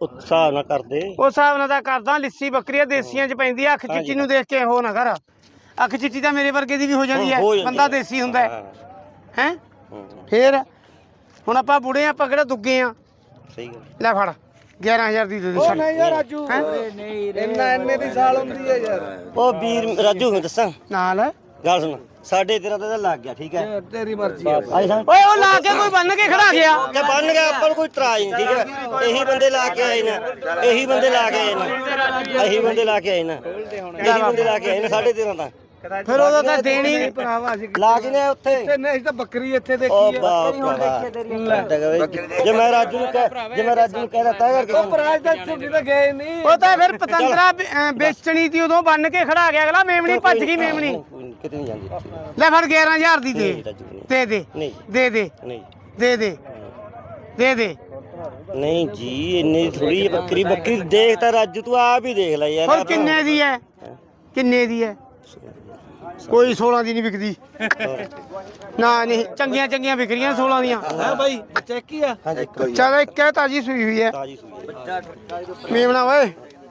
ਹਿਸਾਬ ਨਾ ਕਰਦੇ ਉਸ ਹਿਸਾਬ ਨਾਲ ਤਾਂ ਕਰਦਾ। ਲਿੱਸੀ ਬੱਕਰੀਆਂ ਦੇਸੀਆਂ ਚ ਪੈਂਦੀ ਆ। ਅੱਖ ਚਿੱਟੀ ਨੂੰ ਦੇਖ ਕੇ ਹੋ ਨਾ ਕਰ। ਅੱਖ ਚਿੱਟੀ ਤਾਂ ਮੇਰੇ ਵਰਗੇ ਦੀ ਵੀ ਹੋ ਜਾਂਦੀ ਹੈ। ਬੰਦਾ ਦੇਸੀ ਹੁੰਦਾ ਹੈ। ਫੇਰ ਹੁਣ ਆਪਾਂ ਬੁੜੇ ਆਪਾਂ ਕਿਹੜਾ ਦੁੱਗੇ ਆ। ਸਹੀ ਗੱਲ ਲੈ ਫੜ 11000 ਦੀ ਦੇ ਦੇ। ਉਹ ਨਹੀਂ ਯਾਰ ਰਾਜੂ ਇੰਨੇ ਦੀ ਸਾਲ ਹੁੰਦੀ ਹੈ ਯਾਰ। ਉਹ ਵੀਰ ਰਾਜੂ ਨੂੰ ਦੱਸਾਂ ਨਾਲ ਗੱਲ ਸੁਣ 13.5 ਤਾਂ ਲੱਗ ਗਿਆ ਠੀਕ ਹੈ ਤੇਰੀ ਮਰਜ਼ੀ ਹੈ ਓਏ ਉਹ ਲਾ ਕੇ ਕੋਈ ਬੰਨ ਕੇ ਖੜਾ ਗਿਆ ਕਿ ਬਣ ਗਿਆ ਆਪਾਂ ਨੂੰ ਕੋਈ ਇਤਰਾਜ਼ ਨਹੀਂ ਠੀਕ ਹੈ। ਇਹੀ ਬੰਦੇ ਲਾ ਕੇ ਆਏ ਨੇ ਇਹੀ ਬੰਦੇ ਲਾ ਕੇ ਆਏ ਨੇ ਇਹੀ ਬੰਦੇ ਲਾ ਕੇ ਆਏ ਨੇ 13.5 ਤਾਂ ਫਿਰ ਉਹਦਾ ਤਾਂ ਦੇਣੀ ਨਹੀਂ ਭਰਾਵਾ ਅਸੀਂ ਲਾ ਕੇ ਨੇ ਉੱਥੇ ਨਹੀਂ ਤਾਂ ਬੱਕਰੀ ਇੱਥੇ ਉਹ ਦੇਖੀ ਜੇ ਮੈਂ ਰਾਜੂ ਨੂੰ ਕਹਿ ਦਿੱਤਾ ਕਰਕੇ ਉਹ ਪ੍ਰਾਜ ਦਾ ਛੁੱਟੀ ਤਾਂ ਗਏ ਨਹੀਂ। ਉਹ ਤਾਂ ਫਿਰ ਪਤੰਦਰਾ ਵੇਚਣੀ ਤੀ ਉਦੋਂ ਬੰਨ ਕੇ ਖੜਾ ਗਿਆ ਅਗਲਾ। ਮੇਮਣੀ ਭੱਜ ਗਈ ਮੇਮਣੀ। ਕਿਤੇ ਨਹੀਂ ਜਾਂਦੀ ਲੈ ਫੜ 11000 ਦੀ ਦੇ ਦੇ ਦੇ ਨਹੀਂ ਦੇ ਦੇ ਨਹੀਂ ਦੇ ਦੇ ਦੇ ਦੇ। ਨਹੀਂ ਜੀ ਇੰਨੀ ਥੋੜੀ ਬੱਕਰੀ ਦੇਖ ਤਾਂ ਰਾਜੂ ਤੂੰ ਆਪ ਹੀ ਦੇਖ ਲੈ ਯਾਰ। ਹੁਣ ਕਿੰਨੇ ਦੀ ਹੈ ਕਿੰਨੇ ਦੀ ਹੈ? ਕੋਈ 16 ਦੀ ਨਹੀਂ ਵਿਕਦੀ ਨਾ। ਨਹੀਂ ਚੰਗੀਆਂ ਚੰਗੀਆਂ ਵਿਕਰੀਆਂ 16 ਦੀਆਂ ਹੈ ਬਾਈ ਚੈੱਕ ਹੀ ਆ। ਹਾਂਜੀ ਚੱਲ ਇੱਕ ਹੈ ਤਾਜੀ ਸੂਈ ਹੋਈ ਹੈ ਤਾਜੀ ਸੂਈ ਮੇਮਣਾ ਓਏ।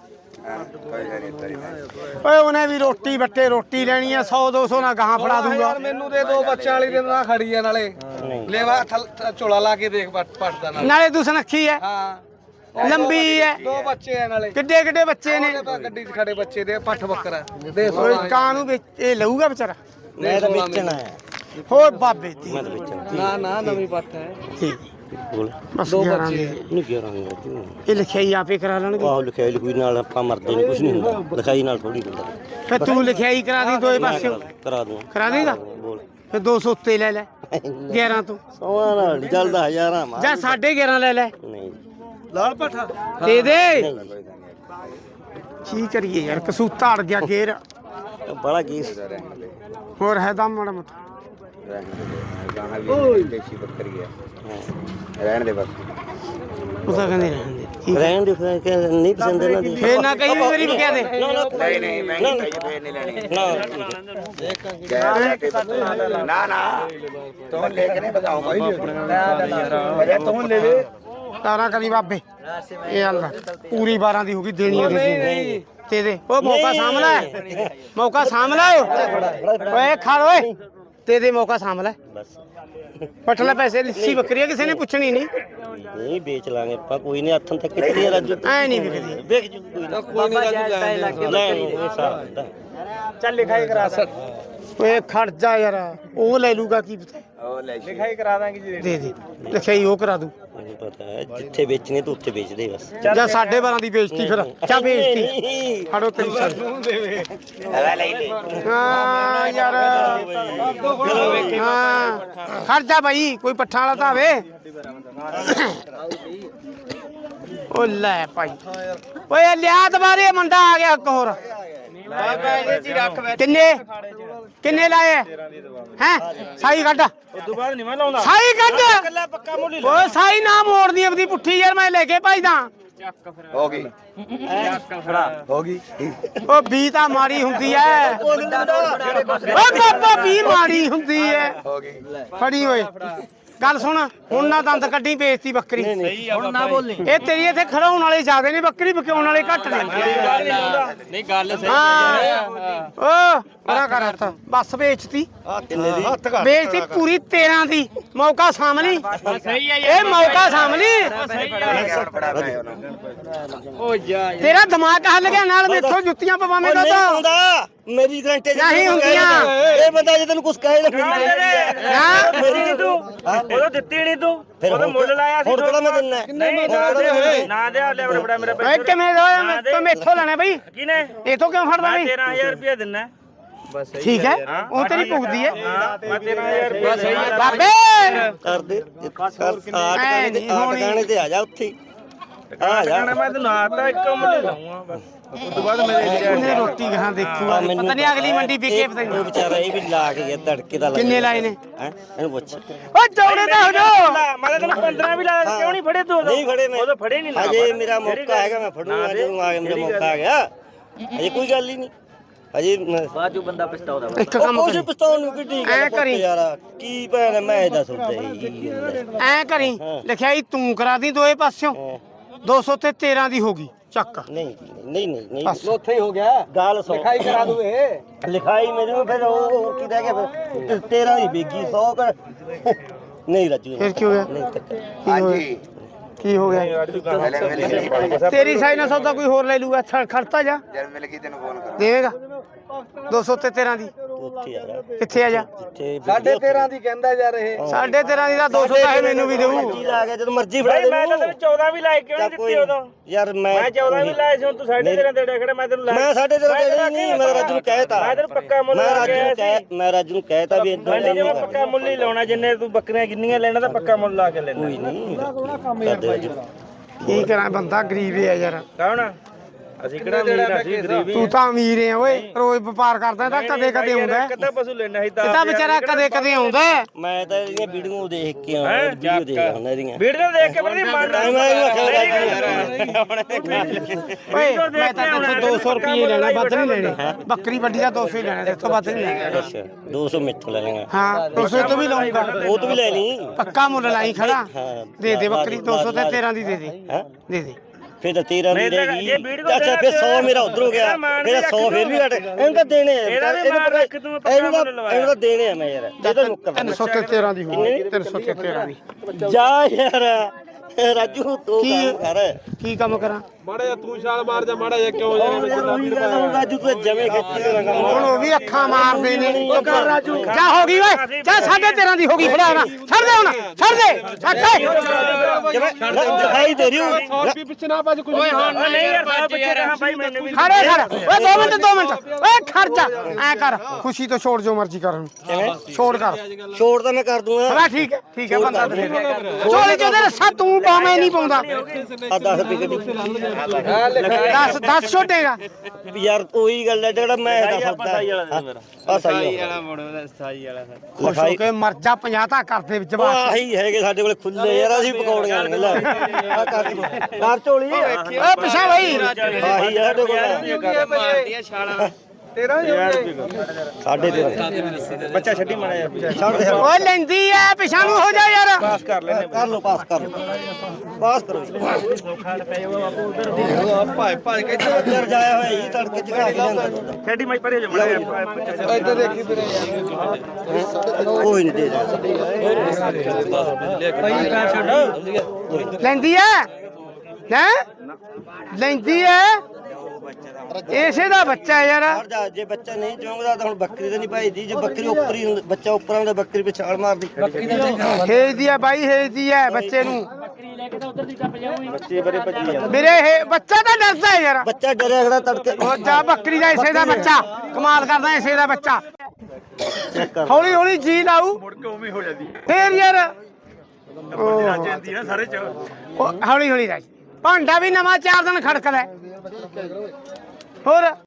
ਓਏ ਉਹਨੇ ਵੀ ਰੋਟੀ ਬੱਟੇ ਰੋਟੀ ਲੈਣੀ ਆ 100 200 ਨਾ ਗਾਹਾਂ ਫੜਾ ਦੂੰਗਾ। ਯਾਰ ਮੈਨੂੰ ਦੇ ਦੋ ਬੱਚਿਆਂ ਵਾਲੀ ਦੇ ਨਾਲ ਖੜੀ ਆ ਨਾਲੇ ਲੈਵਾ ਝੋਲਾ ਲਾ ਕੇ ਦੇਖ ਪੱਟਦਾ ਨਾਲ ਨਾਲੇ ਤੂੰ ਸੁਨੱਖੀ ਹੈ ਹਾਂ ਲੰਬੀ ਹੈ। ਦੋ ਬੱਚੇ ਆ ਨਾਲੇ ਕਿੱਡੇ ਕਿੱਡੇ ਬੱਚੇ ਨੇ। ਗੱਡੀ 'ਚ ਖੜੇ ਬੱਚੇ ਦੇ ਪੱਠ ਬੱਕਰਾ ਦੇ ਓਏ ਕਾਂ ਨੂੰ ਇਹ ਲਊਗਾ ਵਿਚਾਰਾ। ਮੈਂ ਤਾਂ ਵੇਚਣਾ ਹੈ ਹੋਰ ਬਾਬੇ ਦੀ ਮੈਂ ਤਾਂ ਵੇਚਣਾ ਨਾ ਨਵੀਂ ਪੱਠ ਹੈ। ਠੀਕ ਬੋਲ ਬਸ ਦੋ 11 ਬੱਚੇ। ਦੀ। ਨਹੀਂ ਕਿਹਾ ਰੰਗ ਰਾਜੂ ਇਹ ਲਿਖਾਈ ਆਪੇ ਕਰਾ ਲੈਣਗੇ। ਆਹ ਲਿਖਾਈ ਲਿਖੂਈ ਨਾਲ ਆਪਾਂ ਮਰਦੇ ਨਹੀਂ ਕੁਝ ਨਹੀਂ ਹੁੰਦਾ ਲਿਖਾਈ ਨਾਲ ਥੋੜੀ ਹੁੰਦਾ ਫਿਰ ਤੂੰ ਲਿਖਾਈ ਕਰਾ ਦੀ ਦੋਏ ਪਾਸੇ ਕਰਾ ਦੂੰ ਕਰਾ ਦੇਗਾ। ਬੋਲ ਫਿਰ 200 ਉੱਤੇ ਲੈ ਲੈ 11 ਤੋਂ ਸੋਹਣਾ ਨਾਲ ਨੀ ਚੱਲਦਾ ਹਜ਼ਾਰਾਂ ਮਾਰ ਜਾਂ 11.5 ਲੈ ਲੈ ਨਹੀਂ ਲਾਲ ਪੱਠਾ ਦੇ ਦੇ। ਕੀ ਕਰੀਏ ਯਾਰ ਕਸੂਤਾ ਅੜ ਗਿਆ ਗੇਰ। ਬੜਾ ਗੀਸ ਹੋਰ ਹੈ ਦਮ ਮਾੜਾ ਮੋਟਾ। ਦੇਸੀ ਬੱਕਰੀ ਹੈ ਰਹਿਣ ਦੇ ਬਸ। ਉਹ ਤਾਂ ਕਹਿੰਦੇ ਰਹਿਣ ਦੇ ਠੀਕ ਹੈ। ਰਹਿਣ ਦੇ ਫਿਰ ਕਿ ਨਹੀਂ ਪਸੰਦ ਇਹਨਾਂ ਦੀ ਫੇਰ ਨਾ ਕਈ ਵਾਰੀ ਵੀ ਕਹਿ ਦੇ ਨਹੀਂ ਮਹਿੰਗੀ ਫੇਰ ਨਹੀਂ ਲੈਣੀ ਨਾ ਤੂੰ ਲੈ ਕੇ ਨਹੀਂ ਬਤਾਓ ਭਾਈ ਵਜਾ ਤੂੰ ਲੈ ਲੈ ਤਾਰਾ ਕਰੀ ਬਾਬੇ। ਇਹ ਅੱਲਾ ਪੂਰੀ 12 ਦੀ ਹੋ ਗਈ ਦੇਣੀ ਹੈ ਦੇ ਦੇ। ਉਹ ਮੌਕਾ ਸਾਹਮਣਾ ਹੈ ਮੌਕਾ ਸਾਹਮਣਾ ਓਏ ਖੜ ਓਏ ਦੇ ਦੇ ਮੌਕਾ ਸਾਹਮਣਾ ਬਸ ਪੱਟ ਲੈ ਪੈਸੇ। ਲਿੱਸੀ ਬੱਕਰੀ ਕਿਸੇ ਨੇ ਪੁੱਛਣੀ ਨਹੀਂ। ਨਹੀਂ ਵੇਚ ਲਾਂਗੇ ਆਪਾਂ ਕੋਈ ਨਹੀਂ ਹੱਥਾਂ ਤੱਕ ਕਿੱਥੇ ਰਾਜੂ ਐ ਨਹੀਂ ਵਿਕਦੀ। ਵੇਖ ਜੂ ਕੋਈ ਨਾ ਕੋਈ ਨਹੀਂ ਰਾਜੂ ਲੈ ਇਹ ਹਿਸਾਬ ਦਾ ਚੱਲ ਲਿਖਾਈ ਕਰਾ ਸਕ ਓਏ ਖੜ ਜਾ ਯਾਰ ਉਹ ਲੈ ਲੂਗਾ ਕੀ ਪਤਾ। ਉਹ ਲੈ ਲਿਖਾਈ ਕਰਾ ਦਾਂਗੇ ਜੀ ਦੇ ਦੇ ਲਿਖਾਈ ਉਹ ਕਰਾ ਦੂ। ਮੈਨੂੰ ਪਤਾ ਹੈ ਜਿੱਥੇ ਵੇਚਣੇ ਤੂੰ ਉੱਥੇ ਵੇਚ ਦੇ ਬਸ ਜਾਂ 12.5 ਦੀ ਵੇਚਤੀ ਫਿਰ ਚਾ ਵੇਚਤੀ ਫੜੋ ਤੇਰੀ ਸਾਰੀ। ਹਾਂ ਯਾਰ ਹਾਂ ਖੜ ਜਾ ਬਾਈ ਕੋਈ ਪੱਠਾ ਵਾਲਾ ਤਾਂ ਆਵੇ। ਉਹ ਲੈ ਭਾਈ ਓਏ ਲਿਆ ਦੁਬਾਰੇ ਮੁੰਡਾ ਆ ਗਿਆ ਇੱਕ ਹੋਰ। ਕਿੰਨੇ ਲਾਏ ਹੈ ਸਾਈ ਕੱਢ ਉਦੋਂ ਬਾਅਦ ਨਹੀਂ ਮੈਂ ਲਾਉਂਦਾ ਸਾਈ ਕੱਢ ਕੱਲਾ ਪੱਕਾ ਮੁੱਲ ਓਏ ਸਾਈ ਨਾ ਮੋੜਦੀ ਆਪਦੀ ਪੁੱਠੀ ਯਾਰ ਮੈਂ ਲੈ ਕੇ ਭਜਦਾ। ਹੋ ਗਈ ਹੋ ਗਈ ਉਹ ਬੀ ਤਾਂ ਮਾੜੀ ਹੁੰਦੀ ਐ। ਓ ਬਾਬਾ ਬੀ ਮਾੜੀ ਹੁੰਦੀ ਐ। ਹੋ ਗਈ ਫੜੀ ਓਏ ਗੱਲ ਸੁਣ ਹੁਣ ਨਾ ਦੰਦ ਕੱਢੀ ਵੇਚਤੀ ਬੱਕਰੀ। ਹੁਣ ਨਾ ਬੋਲੀ ਇਹ ਤੇਰੀ ਇੱਥੇ ਖੜਾਉਣ ਵਾਲੇ ਜ਼ਿਆਦੇ ਨੇ ਬੱਕਰੀ ਵਿਕਾਉਣ ਵਾਲੇ ਘੱਟ ਨੇ। ਨਹੀਂ ਗੱਲ ਸਹੀ ਹਾਂ ਓ ਬੜਾ ਕਰ ਹੱਥ ਬਸ ਵੇਚਤੀ ਕਿੰਨੇ ਦੀ ਵੇਚਤੀ ਪੂਰੀ 13 ਦੀ। ਮੌਕਾ ਸਾਹਮਣੀ ਸਹੀ ਹੈ ਇਹ ਮੌਕਾ ਸਾਹਮਣੀ। ਓ ਜਾ ਤੇਰਾ ਦਿਮਾਗ ਹੱਲ ਗਿਆ ਨਾਲ ਮੇਥੋਂ ਜੁੱਤੀਆਂ ਪਵਾਵੇਂਗਾ ਤਾਂ ਹੁੰਦਾ ਮੇਰੀ ਗਰੰਟੀ ਨਹੀਂ ਹੁੰਦੀਆਂ। ਇਹ ਬੰਦਾ ਜੇ ਤੈਨੂੰ ਕੁਝ ਕਹੇ ਨਾ ਹਾਂ ਮੇਰੀ ਨੀ ਤੂੰ ਉਦੋਂ ਦਿੱਤੀ ਨਹੀਂ ਤੂੰ ਉਦੋਂ ਮੁੱਲ ਲਾਇਆ ਸੀ ਹੁਣ ਕਿਹੜਾ ਮੈਂ ਦਿੰਨਾ ਨਾ ਦੇ ਲੈ ਬੜਾ ਮੇਰਾ ਓਏ ਕਿਵੇਂ ਹੋਇਆ ਤੂੰ ਮੇਥੋਂ ਲੈਣਾ ਬਈ ਕਿਨੇ ਇਥੋਂ ਕਿਉਂ ਫੜਦਾ ਬਈ 13000 ਰੁਪਏ ਦਿੰਨਾ ਬਸ ਠੀਕ ਹੈ ਉਹ ਤੇਰੀ ਭੁਗਦੀ ਹੈ ਮੈਂ 13000 ਰੁਪਏ ਸਹੀ ਬਾਬੇ ਕਰ ਦੇ ਟਿਕਾਣੇ ਤੇ ਆ ਜਾ ਉੱਥੇ ਆ ਜਾ ਮੈਂ ਤੈਨੂੰ ਆਤਾ ਇੱਕ ਮੁੱਲ ਲਾਉਂਗਾ ਬਸ ਉਸ ਤੋਂ ਬਾਅਦ ਮੇਰੇ ਉਹਨੇ ਰੋਟੀ ਕਹਾਂ ਦੇਖੂਗਾ ਪਤਾ ਨਹੀਂ ਅਗਲੀ ਮੰਡੀ ਵਿਕੇ ਪਤਾ ਉਹ ਨਹੀਂ ਵਿਚਾਰਾ ਇਹ ਵੀ ਲਾ ਕੇ ਗਿਆ ਧੜਕੇ ਦਾ ਕਿੰਨੇ ਲਾਏ ਨੇ ਹੈ ਇਹਨੂੰ ਪੁੱਛ ਓ ਚੌੜੇ ਤਾਂ ਹੋ ਜਾ। ਮੈਂ ਤੈਨੂੰ 15 ਵੀ ਲਾਇਆ ਕਿਉਂ ਨਹੀਂ ਫੜੇ ਤੂੰ ਨਹੀਂ ਫੜੇ ਮੈਂ ਉਦੋਂ ਫੜੇ ਨਹੀਂ ਅਜੇ ਮੇਰਾ ਮੌਕਾ ਹੈਗਾ ਮੈਂ ਫੜੂਗਾ ਜਦੋਂ ਆ ਮੇਰਾ ਮੌਕਾ ਆ ਗਿਆ ਅਜੇ ਕੋਈ ਗੱਲ ਹੀ ਨਹੀਂ ਅਜੇ ਬਾਜੂ ਬੰਦਾ ਪਛਤਾਉਂਦਾ ਇੱਕ ਕੰਮ ਕੁਝ ਕਰੀ ਪਛਤਾਉਣ ਨੂੰ ਕਿੱਡੀ ਐਂ ਗੱਲ ਕਰੀ। ਯਾਰ ਕੀ ਭੈਣ ਮੈਂ ਇਹਦਾ ਸੋਚਿਆ ਹੀ ਐ ਕਰੀ ਲਿਖਿਆ ਤੂੰ ਕਰਾ ਦੀ ਦੋਏ ਪਾਸਿਓਂ 200 ਤੇ 13 ਦੀ ਹੋ ਗਈ ਚੱਕ ਨਹੀਂ ਨਹੀਂ ਨਹੀਂ ਨਹੀਂ ਬਸ। ਉੱਥੇ ਹੀ ਹੋ ਗਿਆ ਗੱਲ ਸੁਣ ਲਿਖਾਈ ਕਰਾ ਦੂ ਇਹ ਲਿਖਾਈ ਮੈਨੂੰ ਫਿਰ ਉਹ ਕੀ ਰਹਿ ਗਿਆ ਫਿਰ 13 ਦੀ ਬੇਗੀ 100 ਕਰ ਨਹੀਂ ਰਾਜੂ ਫਿਰ ਕੀ ਹੋ ਗਿਆ ਨਹੀਂ ਧੱਕਾ। ਹਾਂਜੀ ਕੀ ਹੋ ਗਿਆ ਤੇਰੀ ਸਾਈ ਨਾਲ ਸੌਦਾ ਕੋਈ ਹੋਰ ਲੈ ਲੂਗਾ ਖੜਤਾ ਜਾ ਜਦ ਮਿਲ ਗਈ ਤੈਨੂੰ ਫੋਨ ਕਰ ਦੇਵੇਗਾ 200 ਤੇ 13 ਦੀ ਤੂੰ ਉੱਥੇ ਯਾਰ ਕਿੱਥੇ ਆ ਜਾ ਜਿੱਥੇ 13.5 ਦੀ ਕਹਿੰਦਾ ਯਾਰ ਇਹ 13.5 ਦੀ ਦਾ 200 ਤਾਂ ਇਹ ਮੈਨੂੰ ਵੀ ਦੇਊ ਮਰਜ਼ੀ ਲਾ ਕੇ ਜਦੋਂ ਮਰਜ਼ੀ ਫੜਾ ਦੇ ਮੈਂ ਤਾਂ ਤੈਨੂੰ 14 ਵੀ ਲਾਏ ਕਿਉਂ ਨਹੀਂ ਦਿੱਤੀ ਉਦੋਂ ਯਾਰ ਮੈਂ 14 ਵੀ ਲਾਏ ਸੀ ਹੁਣ ਤੂੰ 13.5 ਦੇ ਡੇਖੜੇ ਮੈਂ ਤੈਨੂੰ ਮੈਂ 13.5 ਦੇਣੀ ਨਹੀਂ ਮੈਂ ਰਾਜੂ ਨੂੰ ਕਹਿਤਾ ਮੈਂ ਤੈਨੂੰ ਪੱਕਾ ਮੁੱਲ ਮੈਂ ਲਾ ਰਾਜੂ ਕੇ ਨੂੰ ਕਹਿ ਮੈਂ ਰਾਜੂ ਨੂੰ ਕਹਿਤਾ ਵੀ ਇਦਾਂ ਮੰਡੀ ਜੇ ਮੈਂ ਪੱਕਾ ਮੁੱਲ ਹੀ ਲਾਉਣਾ ਜਿੰਨੇ ਤੂੰ ਬੱਕਰੀਆਂ ਕਿੰਨੀਆਂ ਲੈਣਾ ਤਾਂ ਪੱਕਾ ਮੁੱਲ ਲਾ ਕੇ ਲੈਣਾ ਕੋਈ ਨਹੀਂ ਕਰਦੇ ਰਾਜੂ ਕੀ ਕਰਾਂ ਬੰਦਾ ਗਰੀਬ ਹੈ ਯਾਰ ਕੌਣ ਅਸੀਂ ਕਿਹੜਾ ਅਮੀਰ ਆ, ਅਸੀਂ ਗਰੀਬ ਹੀ ਤੂੰ ਤਾਂ ਅਮੀਰ ਹੈ ਓਏ ਰੋਜ਼ ਵਪਾਰ ਕਰਦਾ ਤਾਂ ਕਦੇ ਕਦੇ ਆਉਂਦਾ ਹੈ। ਕਿੱਦਾਂ ਪਸ਼ੂ ਲੈਣਾ ਸੀ ਇਹ ਤਾਂ ਵਿਚਾਰਾ ਕਦੇ ਕਦੇ ਆਉਂਦਾ ਹੈ। ਮੈਂ ਤਾਂ ਇਹਦੀਆਂ ਵੀਡੀਓ ਦੇਖ ਕੇ ਆਇਆ ਵੀਡੀਓ ਦੇਖ ਆਉਂਦਾ ਇਹਦੀਆਂ ਵੀਡੀਓ ਦੇਖ ਕੇ ਬੜੀ ਮਨ ਓਏ ਮੈਂ ਤਾਂ ਤੈਨੂੰ 200 ਰੁਪਏ ਲੈਣਾ ਵੱਧ ਨਹੀਂ ਲੈਣੇ ਬੱਕਰੀ ਵੱਡੀ ਦਾ 200 ਹੀ ਲੈਣਾ ਤੇਥੋਂ ਵੱਧ ਨਹੀਂ ਲੈਣਾ ਅੱਛਾ 200 ਮਿੱਥੋਂ ਲੈ ਲੈਣਾ ਹਾਂ 200 ਤੋਂ ਵੀ ਲਾਉਂਗਾ ਉਹ ਤੋਂ ਵੀ ਲੈ ਲਈ ਪੱਕਾ ਮੁੱਲ ਲਾਈ ਖੜਾ ਹਾਂ ਦੇ ਦੇ ਬੱਕਰੀ 200 ਤੇ 13 ਦੀ ਦੇ ਦੇ ਹੈ ਦੇ ਦੇ ਫਿਰ ਤਾਂ 13 ਦੀ ਜੇ ਰਹੇਗੀ ਵੀਡੀਓ ਅੱਛਾ ਫਿਰ 100 ਮੇਰਾ ਉਧਰ ਹੋ ਗਿਆ ਫਿਰ 100 ਫਿਰ ਵੀ ਘਟ ਇਹਨੂੰ ਤਾਂ ਦੇਣੇ ਆ ਇਹਦਾ ਵੀ ਮਾਰ ਰੱਖ ਤੂੰ ਪੱਕਾ ਇਹਨੂੰ ਮੁੱਲ ਲਵਾਇਆ। ਤਾਂ ਦੇਣੇ ਆ ਮੈਂ ਯਾਰ ਇਹ ਤਾਂ ਮੁੱਕਰ 300 ਤੇ 13 ਦੀ ਹੋਊਗੀ 300 ਤੇ 13 ਦੀ ਜਾ ਯਾਰ ਰਾਜੂ ਤੂੰ ਕੰਮ ਕਰ ਕੀ ਕੰਮ ਕਰਾਂ ਮਾੜਾ ਜਿਹਾ ਤੂੰ ਛਾਲ ਮਾਰ ਜਾ ਮਾੜਾ ਜਿਹਾ ਕਿਉਂ ਰਾਜੂ ਤੂੰ ਜਮੇ ਖੇਤੀ ਦਾ ਕੰਮ ਹੁਣ ਉਹ ਵੀ ਅੱਖਾਂ ਮਾਰਦੇ ਨੇ ਜਾ ਹੋ ਗਈ ਓਏ ਜਾ 13.5 ਦੀ ਹੋ ਗਈ ਫੜਾ ਨਾ ਛੱਡ ਦੇ ਹੁਣ ਛੱਡ ਦੇ ਛੱਡ ਦਿਖਾਈ ਦੇ ਰਹੀ ਹੂੰ 100 ਰੁਪਏ ਪਿੱਛੇ ਨਾ ਭੱਜ ਕੁਝ ਨਹੀਂ ਯਾਰ ਸਾਹਿਬ ਪਿੱਛੇ ਰਹਾ ਭਾਈ ਮੈਨੂੰ ਵੀ ਖੜੇ ਖੜ ਓਏ 2 ਮਿੰਟ ਓਏ ਖਰਚਾ ਐ ਕਰ ਖੁਸ਼ੀ ਤੋਂ ਛੋੜ ਜੋ ਮਰਜ਼ੀ ਕਰ ਛੋੜ ਕਰ ਛੋੜ ਤਾਂ ਮੈਂ ਕਰ ਦੂੰਗਾ ਬੜਾ ਠੀਕ ਹੈ ਬੰਦਾ ਦੇ ਚੋਲੀ ਚ ਉਹਦੇ ਰੱਸਾ ਤੂੰ ਪਾਵੇਂ ਨਹੀਂ ਪਾਉਂਦਾ ਆ 10 ਰੁਪਏ ਗੱਡੀ 10 ਛੋਟੇਗਾ ਯਾਰ ਉਹੀ ਗੱਲ ਹੈ ਜਿਹੜਾ ਮੈਂ ਦੱਸਦਾ ਆ ਸਹੀ ਵਾਲਾ ਮੋੜੋ ਸਾਈ ਵਾਲਾ ਖੁਸ਼ ਹੋ ਕੇ ਮਰ ਜਾ 50 ਤਾਂ ਕਰਦੇ ਵਿੱਚ ਬਾਤ ਆਹੀ ਹੈਗੇ ਸਾਡੇ ਕੋਲੇ ਖੁੱਲੇ ਯਾਰ ਅਸੀਂ ਪਕੌੜੀਆਂ ਨੇ ਲੈ ਆ ਕਰ ਝੋਲੀ ਓਏ ਪਿਛਾ ਬਈ ਆਹੀ ਆ ਸਾਡੇ ਕੋਲ ਮਾਰਦੀਆਂ ਛਾਲਾਂ 13.5 ਬੱਚਾ ਛੱਡੀ ਮਾੜਾ ਯਾਰ ਛੱਡ ਦੇ ਓਏ ਲੈਂਦੀ ਐ ਪਿਛਾ ਨੂੰ ਹੋ ਜਾ ਯਾਰ ਪਾਸ ਕਰ ਲੈਨੇ ਕਰ ਲੋ ਪਾਸ ਕਰ ਲੋ ਪਾਸ ਕਰੋ ਭਾਈ ਭਾਈ ਕਹਿੰਦੇ ਉੱਧਰ ਜਾਇਆ ਹੋਇਆ ਜੀ ਤੜਕੇ ਚਗਾ ਕੇ ਜਾਂਦਾ ਛੱਡੀ ਮੈਂ ਪਰੇ ਜਾ ਮਾੜਾ ਇੱਥੇ ਦੇਖੀ ਵੀਰੇ ਕੋਈ ਨਹੀਂ ਦੇ ਲੈਂਦੀ ਐ ਹੈ ਲੈਂਦੀ ਐ ਇਸੇ ਦਾ ਬੱਚਾ ਹੈ ਯਾਰ ਹਰ ਜਾ ਜੇ ਬੱਚਾ ਨਹੀਂ ਚੋਂਗਦਾ ਤਾਂ ਹੁਣ ਬੱਕਰੀ ਤਾਂ ਨਹੀਂ ਭਾਈਦੀ ਜੇ ਬੱਕਰੀ ਉੱਪਰ ਹੀ ਬੱਚਾ ਉੱਪਰ ਆਉਂਦਾ ਬੱਕਰੀ ਪਿੱਛੇ ਛਾਲ ਮਾਰਦੀ ਹੇਜਦੀ ਐ ਬਾਈ ਹੇਜਦੀ ਐ ਬੱਚੇ ਨੂੰ ਬੱਚੇ ਬਰੇ ਭੱਜੀ ਜਾਂਦੇ ਵੀਰੇ ਇਹ ਬੱਚਾ ਤਾਂ ਡਰਦਾ ਹੈ ਯਾਰ ਬੱਚਾ ਡਰਿਆ ਖੜਾ ਤੜਕੇ ਉਹ ਜਾ ਬੱਕਰੀ ਦਾ ਇਸੇ ਦਾ ਬੱਚਾ ਕਮਾਲ ਕਰਦਾ ਇਸੇ ਦਾ ਬੱਚਾ ਚੈੱਕ ਕਰ ਹੌਲੀ ਹੌਲੀ ਜੀ ਲਾਊ ਮੁੜ ਕੇ ਉਵੇਂ ਹੋ ਜਾਂਦੀ ਫੇਰ ਯਾਰ ਜਾਂਦੀ ਨਾ ਸਾਰੇ ਚ ਹੌਲੀ ਹੌਲੀ ਰਾਜ ਭਾਂਡਾ ਵੀ ਨਵਾਂ 4 ਦਿਨ ਖੜਕਦਾ ਹੈ। ਹੋਰ